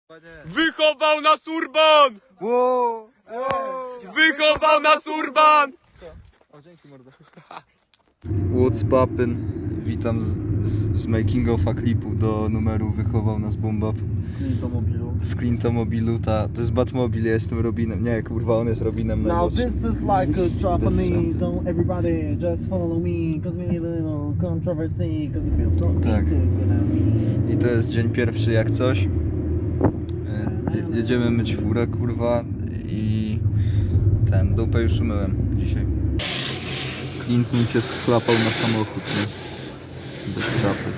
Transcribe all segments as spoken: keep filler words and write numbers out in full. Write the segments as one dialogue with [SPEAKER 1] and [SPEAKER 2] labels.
[SPEAKER 1] Wychował nas Urban!
[SPEAKER 2] Wow, wow.
[SPEAKER 1] Wychował nas Urban!
[SPEAKER 2] O, dzięki mordo. What's poppin'? Witam z, z, z making of'a klipu do numeru Wychował nas Bombap.
[SPEAKER 3] Clintomobilu.
[SPEAKER 2] Z Clintomobilu, ta, to jest Batmobil, ja jestem Robinem. Nie, kurwa, on jest Robinem
[SPEAKER 3] Now
[SPEAKER 2] najmłodszym.
[SPEAKER 3] this is like a Japanese,
[SPEAKER 2] This,
[SPEAKER 3] so everybody just follow me, cause we need a little controversy, cause it feels so
[SPEAKER 2] Tak.
[SPEAKER 3] good on me.
[SPEAKER 2] I to jest dzień pierwszy jak coś. E, je, jedziemy myć furę, kurwa, i ten, dupę już umyłem dzisiaj. Clinton się schlapał na samochód, nie? Bez czapy.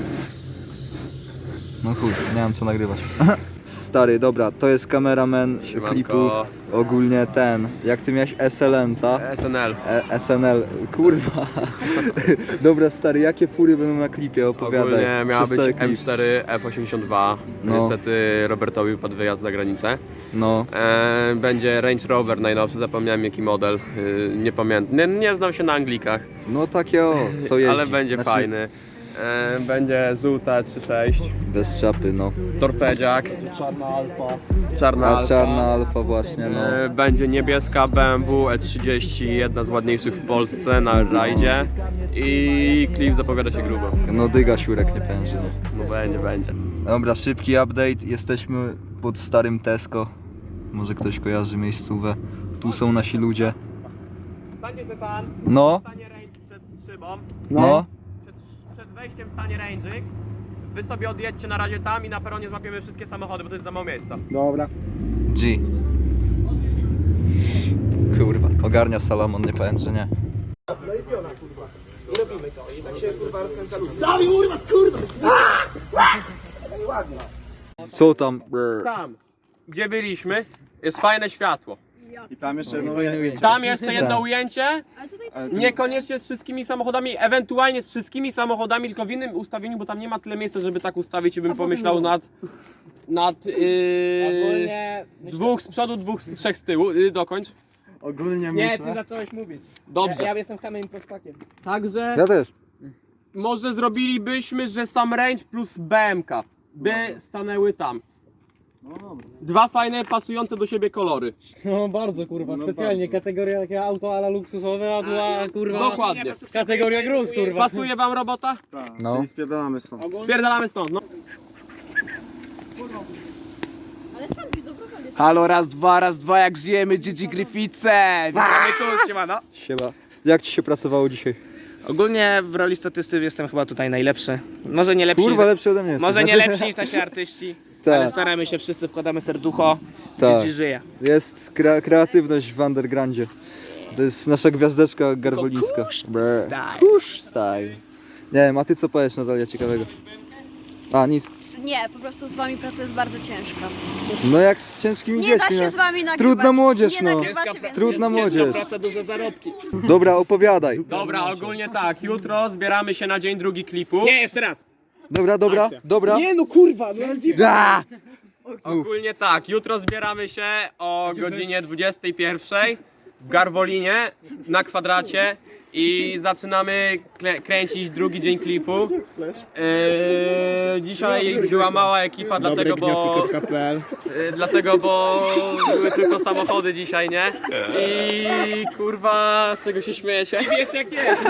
[SPEAKER 2] No chuj, nie mam co nagrywać. Stary, dobra, to jest kameraman
[SPEAKER 1] Siemanko.
[SPEAKER 2] klipu. Ogólnie ten, jak ty miałeś S L N, ta?
[SPEAKER 1] S N L.
[SPEAKER 2] E, S N L, kurwa. Dobra, stary, jakie fury będą na klipie? Opowiadaj.
[SPEAKER 1] Ogólnie miała
[SPEAKER 2] Przez
[SPEAKER 1] być
[SPEAKER 2] cały klip.
[SPEAKER 1] M cztery F osiemdziesiąt dwa.
[SPEAKER 2] No.
[SPEAKER 1] Niestety Robertowi wypadł wyjazd za granicę.
[SPEAKER 2] No,
[SPEAKER 1] E, będzie Range Rover najnowszy, zapomniałem jaki model. E, nie pamiętam, nie, nie znam się na Anglikach,
[SPEAKER 2] no takie o, co jeździ.
[SPEAKER 1] ale będzie
[SPEAKER 2] Znaczy,
[SPEAKER 1] fajny. E, będzie żółta trzy sześć,
[SPEAKER 2] Bez czapy, no.
[SPEAKER 1] torpedziak,
[SPEAKER 3] Czarna alfa.
[SPEAKER 1] czarna
[SPEAKER 2] A
[SPEAKER 1] alfa.
[SPEAKER 2] czarna alfa właśnie, no.
[SPEAKER 1] E, będzie niebieska B M W E trzydzieści, jedna z ładniejszych w Polsce na rajdzie. I klip zapowiada się grubo.
[SPEAKER 2] No dyga siurek nie pęży, no.
[SPEAKER 1] No będzie, będzie.
[SPEAKER 2] Dobra, szybki update. Jesteśmy pod starym Tesco. Może ktoś kojarzy miejscówę. Tu są nasi ludzie.
[SPEAKER 1] Stańcie Stefan,
[SPEAKER 2] No,
[SPEAKER 1] stanie range przed szybą.
[SPEAKER 2] no.
[SPEAKER 1] Przed, przed wejściem stanie range'yk. Wy sobie odjedźcie na razie tam i na peronie złapiemy wszystkie samochody, bo to jest za mało miejsca.
[SPEAKER 3] Dobra.
[SPEAKER 2] G. Kurwa, ogarnia Salomon, nie powiem, że nie. Co tam? Brr.
[SPEAKER 1] Tam, gdzie byliśmy, jest fajne światło.
[SPEAKER 3] I tam jeszcze jedno ujęcie.
[SPEAKER 1] Tam jeszcze jedno
[SPEAKER 2] Tak.
[SPEAKER 1] ujęcie. Niekoniecznie z wszystkimi samochodami, ewentualnie z wszystkimi samochodami, tylko w innym ustawieniu, bo tam nie ma tyle miejsca, żeby tak ustawić i bym pomyślał nad... nad yy,
[SPEAKER 4] Ogólnie...
[SPEAKER 1] dwóch z przodu, dwóch, z- trzech z tyłu. Yy, dokończ.
[SPEAKER 3] Ogólnie
[SPEAKER 4] Nie,
[SPEAKER 3] myślę...
[SPEAKER 4] ty zacząłeś mówić.
[SPEAKER 1] Dobrze.
[SPEAKER 4] Ja, ja jestem hamem prostakiem.
[SPEAKER 1] Także
[SPEAKER 2] Ja też.
[SPEAKER 1] może zrobilibyśmy, że sam range plus B M K by stanęły tam. Dwa fajne, pasujące do siebie kolory.
[SPEAKER 4] No bardzo kurwa, specjalnie kategoria takie auto ala luksusowe, a była kurwa...
[SPEAKER 1] Dokładnie.
[SPEAKER 4] Kategoria gruz kurwa.
[SPEAKER 1] Pasuje wam robota?
[SPEAKER 2] No.
[SPEAKER 3] Czyli spierdalamy stąd.
[SPEAKER 1] Spierdalamy stąd, no.
[SPEAKER 5] Ale sam ci dobrowolnie.
[SPEAKER 6] Halo, raz, dwa, raz, dwa, jak żyjemy, Gigi Gryfice! Witamy tu, siemano.
[SPEAKER 2] Siema. Jak ci się pracowało dzisiaj?
[SPEAKER 6] Ogólnie w roli statysty jestem chyba tutaj najlepszy. Może nie lepszy,
[SPEAKER 2] Kurwa, lepszy ode mnie jesteś.
[SPEAKER 6] może nie
[SPEAKER 2] Znaczy-
[SPEAKER 6] lepsi niż nasi artyści,
[SPEAKER 2] Tak.
[SPEAKER 6] ale staramy się, wszyscy wkładamy serducho,
[SPEAKER 2] Tak.
[SPEAKER 6] Gigi żyje.
[SPEAKER 2] Jest kre kreatywność w undergroundzie. To jest nasza gwiazdeczka garwolińska.
[SPEAKER 6] Kusz
[SPEAKER 2] Brr.
[SPEAKER 6] style.
[SPEAKER 2] Kusz style. Nie wiem, a ty co powiesz, Natalia, ciekawego? A, nic.
[SPEAKER 5] Nie, po prostu z wami praca jest bardzo ciężka.
[SPEAKER 2] No jak z ciężkimi
[SPEAKER 5] Nie da
[SPEAKER 2] dziećmi.
[SPEAKER 5] się
[SPEAKER 2] no.
[SPEAKER 5] z wami nagrywać.
[SPEAKER 2] Trudna młodzież,
[SPEAKER 5] nie
[SPEAKER 2] no.
[SPEAKER 5] nagrywacie, więc...
[SPEAKER 2] Trudna młodzież.
[SPEAKER 6] praca, duże zarobki.
[SPEAKER 2] Dobra, opowiadaj.
[SPEAKER 1] Dobra, ogólnie tak, jutro zbieramy się na dzień drugi klipu.
[SPEAKER 6] Nie, jeszcze raz.
[SPEAKER 2] Dobra, dobra, dobra.
[SPEAKER 6] Nie no kurwa, no
[SPEAKER 2] Da!
[SPEAKER 1] Ogólnie tak, jutro zbieramy się o godzinie dwudziestej pierwszej w Garwolinie na kwadracie i zaczynamy klę- kręcić drugi dzień klipu. Eee, dzisiaj była mała ekipa, dlatego bo, e, dlatego bo były tylko samochody dzisiaj, nie? I kurwa, z czego się śmiejecie? I wiesz jak jest!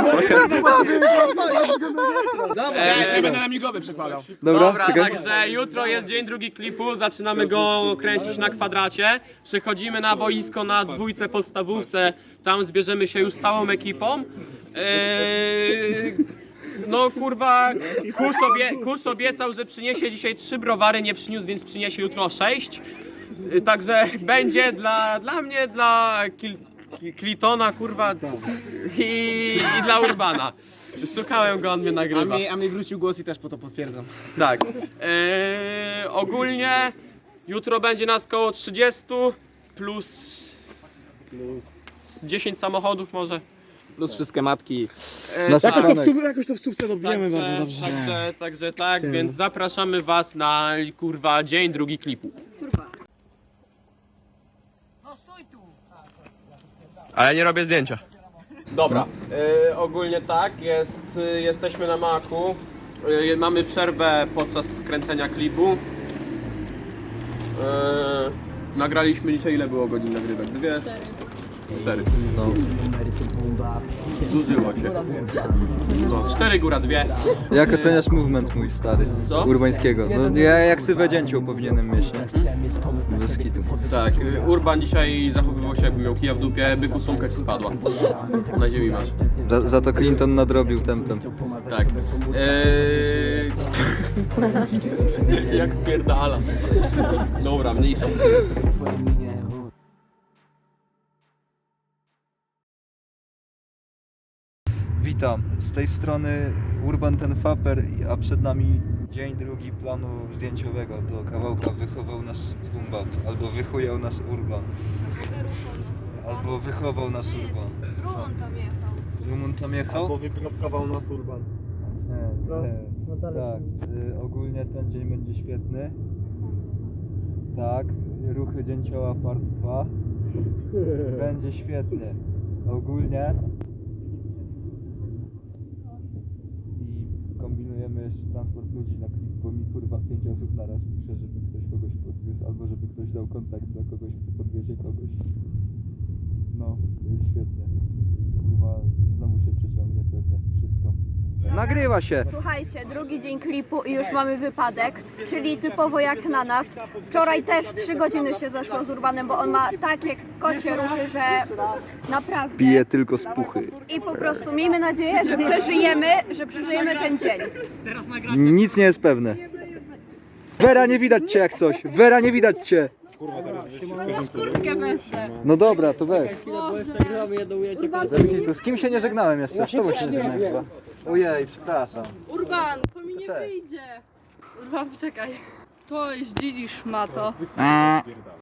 [SPEAKER 6] Nie będę na migowy przekładał.
[SPEAKER 2] Dobra,
[SPEAKER 1] Dobra,
[SPEAKER 2] czekaj.
[SPEAKER 1] także jutro jest dzień drugi klipu, zaczynamy go kręcić na kwadracie. Przechodzimy na boisko na dwójce podstawówce, tam zbierzemy się już z całą ekipą. Eee, no kurwa, Kus, obie, Kus obiecał, że przyniesie dzisiaj trzy browary, nie przyniósł, więc przyniesie jutro sześć. Eee, Także będzie dla, dla mnie, dla Kil, Klitona, kurwa, i, i dla Urbana. Szukałem go, on mnie
[SPEAKER 6] A
[SPEAKER 1] nagrywa.
[SPEAKER 6] mi, a mi wrócił głos i też po to potwierdzam.
[SPEAKER 1] Tak. Eee, ogólnie jutro będzie nas koło trzydziestu plus, plus dziesięć samochodów może.
[SPEAKER 6] Plus wszystkie matki.
[SPEAKER 1] Eee,
[SPEAKER 2] Na
[SPEAKER 1] tak,
[SPEAKER 2] jakoś to w
[SPEAKER 3] Jakoś to w stówce dobijemy
[SPEAKER 1] także, także, także tak, więc zapraszamy was na kurwa dzień drugi klipu.
[SPEAKER 5] Kurwa.
[SPEAKER 1] Ale nie robię zdjęcia. Dobra, e, ogólnie tak, jest, e, jesteśmy na maku, e, mamy przerwę podczas kręcenia klipu. Nagraliśmy dzisiaj, ile było godzin nagrywek? Dwie? Cztery.
[SPEAKER 2] No.
[SPEAKER 1] Zużyło się. No, cztery góra dwie.
[SPEAKER 2] Jak oceniasz movement mój stary?
[SPEAKER 1] Co?
[SPEAKER 2] Urbańskiego. No ja jak sywę dzięcioł powinienem mieć, nie? Ze skitu.
[SPEAKER 1] Tak, y, Urban dzisiaj zachowywał się, jakby miał kija w dupie, byku sumka ci spadła. Na ziemi masz.
[SPEAKER 2] Za, za to Clinton nadrobił tempem.
[SPEAKER 1] Tak. Eee... Jak wpierdala. Dobra, mniejsza.
[SPEAKER 2] Witam, z tej strony Urban ten Faper, a przed nami dzień drugi planu zdjęciowego. Do kawałka wychował nas Bumbap, albo wychujał nas Urban,
[SPEAKER 5] Wyruchał nas.
[SPEAKER 2] albo wychował nas Urban.
[SPEAKER 5] Rumun tam jechał.
[SPEAKER 2] Rumun tam jechał?
[SPEAKER 3] Bo wyprostował nas Urban.
[SPEAKER 2] Nie, nie.
[SPEAKER 3] no dalej.
[SPEAKER 2] Tak, y, ogólnie ten dzień będzie świetny. Tak, ruchy dzięcioła part dwa. Będzie świetny. Ogólnie. I kombinujemy jeszcze transport ludzi na klip, bo mi kurwa pięć osób naraz pisze, żeby ktoś kogoś podwiózł, albo żeby ktoś dał kontakt dla kogoś, kto podwiezie kogoś. No, jest świetnie. I kurwa znowu się przeciągnie pewnie wszystko. Nagrywa się!
[SPEAKER 5] Słuchajcie, drugi dzień klipu i już mamy wypadek, czyli typowo jak na nas. Wczoraj też trzy godziny się zeszło z Urbanem, bo on ma takie kocie ruchy, że naprawdę.
[SPEAKER 2] Pije tylko z puchy.
[SPEAKER 5] I po prostu miejmy nadzieję, że przeżyjemy, że przeżyjemy ten dzień.
[SPEAKER 2] Nic nie jest pewne. Wera, nie widać cię jak coś. Wera, nie widać cię.
[SPEAKER 5] Kurtkę wezmę.
[SPEAKER 2] No dobra, to weź.
[SPEAKER 4] Bo jeszcze gramy jedną ujęcie.
[SPEAKER 2] Bez kitu. Z kim się nie żegnałem jeszcze? Z tobą się nie żegnałem chyba. Ojej, przepraszam.
[SPEAKER 7] Urban, to mi nie
[SPEAKER 2] Cześć.
[SPEAKER 7] wyjdzie. Urban, czekaj. To zdzidzisz ma to.